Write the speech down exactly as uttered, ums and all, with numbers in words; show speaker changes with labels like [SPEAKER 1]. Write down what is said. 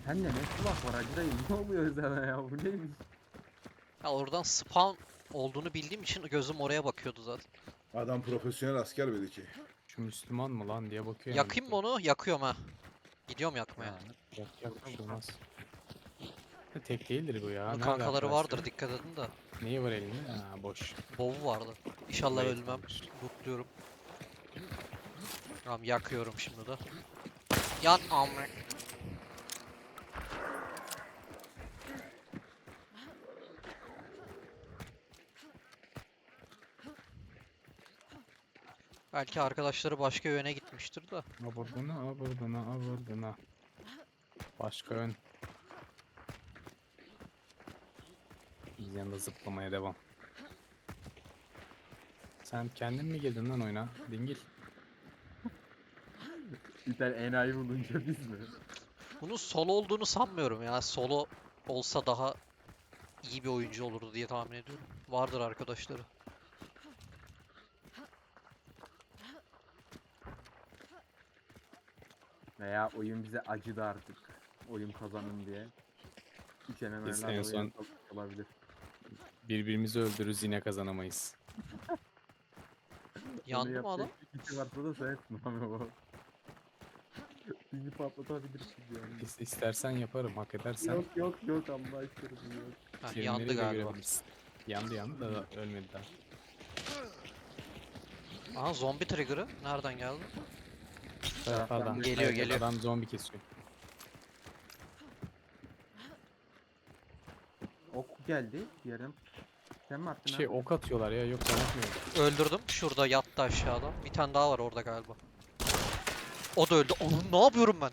[SPEAKER 1] Sen de ne kulak var Hacı dayı? Ne oluyor sana ya? Bu neymiş?
[SPEAKER 2] Ya oradan spawn olduğunu bildiğim için gözüm oraya bakıyordu zaten.
[SPEAKER 3] Adam profesyonel asker belli ki.
[SPEAKER 4] Şu Müslüman mı lan diye bakıyor yani.
[SPEAKER 2] Yakayım mı onu? Yakıyorum ha. Gidiyorum yakmaya.
[SPEAKER 1] Ya,
[SPEAKER 4] Yak yak bir şey olmaz. Ha, tek değildir bu ya.
[SPEAKER 2] Bunun
[SPEAKER 4] Nerede
[SPEAKER 2] kankaları
[SPEAKER 4] arkadaşlar?
[SPEAKER 2] vardır, dikkat edin de.
[SPEAKER 4] Neyi var elinde? Ha boş.
[SPEAKER 2] Bovu vardı. İnşallah
[SPEAKER 4] Wait
[SPEAKER 2] ölmem.
[SPEAKER 4] varmış.
[SPEAKER 2] Lootluyorum. Tamam yakıyorum şimdi de. Yan amre. Belki arkadaşları başka yöne gitmiştir de.
[SPEAKER 4] Aburduna, aburduna, aburduna. Başka ön. Biz yanında zıplamaya devam. Sen kendin mi girdin lan oyuna? Dingil.
[SPEAKER 1] bir tane enayi bulunca biz mi?
[SPEAKER 2] Bunun solo olduğunu sanmıyorum ya. Solo olsa daha iyi bir oyuncu olurdu diye tahmin ediyorum. Vardır arkadaşları.
[SPEAKER 1] Veya oyun bize acıdı artık. Oyun kazanın diye. Hiç
[SPEAKER 4] Biz en
[SPEAKER 1] M M O'lerle
[SPEAKER 4] son-
[SPEAKER 1] oyun olabilir.
[SPEAKER 4] Birbirimizi öldürürüz yine kazanamayız.
[SPEAKER 2] Yandı mı adam?
[SPEAKER 1] Bir kişi varsa da sensin abi o. Bizi patlatabilirsin yani.
[SPEAKER 4] İs- İstersen yaparım, hak edersen.
[SPEAKER 1] Yok yok yok Allah aşkına yok.
[SPEAKER 2] Ha,
[SPEAKER 4] Filmleri
[SPEAKER 2] yandı
[SPEAKER 4] de
[SPEAKER 2] galiba.
[SPEAKER 4] görebilirsin. Yandı yandı da ölmedi daha.
[SPEAKER 2] Aha zombi trigger'ı. Nereden geldi?
[SPEAKER 4] Taraflardan.
[SPEAKER 2] Geliyor,
[SPEAKER 4] Evet,
[SPEAKER 2] geliyor.
[SPEAKER 4] Adam zombi kesiyor.
[SPEAKER 1] Ok geldi yarım. Sen mi attın
[SPEAKER 4] Şey
[SPEAKER 1] abi?
[SPEAKER 4] ok atıyorlar ya, yok ben atmıyorum.
[SPEAKER 2] Öldürdüm. Şurada yattı aşağıda. Bir tane daha var orada galiba. O da öldü. Onun ne yapıyorum ben?